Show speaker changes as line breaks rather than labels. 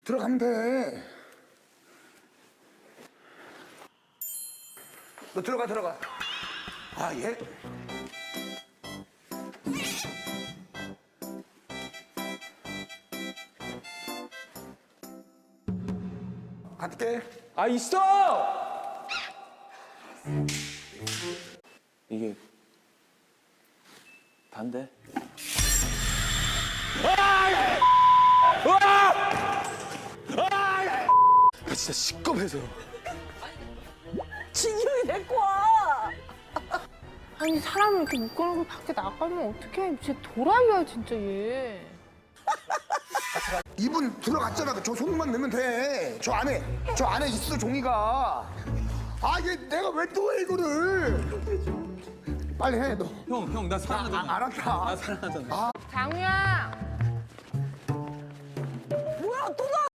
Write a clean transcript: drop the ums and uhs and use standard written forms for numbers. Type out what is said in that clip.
들어가면 돼. 너 들어가. 아, 예. 갈게.
아, 있어! 이게 단데? 아, 진짜 시겁해서.
진영이 데리고 와. 아니 사람을 이렇게 묶어놓고 밖에 나가면 어떡해. 진짜 도라이야 진짜 얘.
이분 들어갔잖아. 저 손만 넣으면 돼. 저 안에 있어, 종이가. 아, 얘 내가 왜 또 해, 이거를. 빨리 해, 너.
형, 나 사랑하잖아.
알았다.
나 사랑하잖아.
장우야.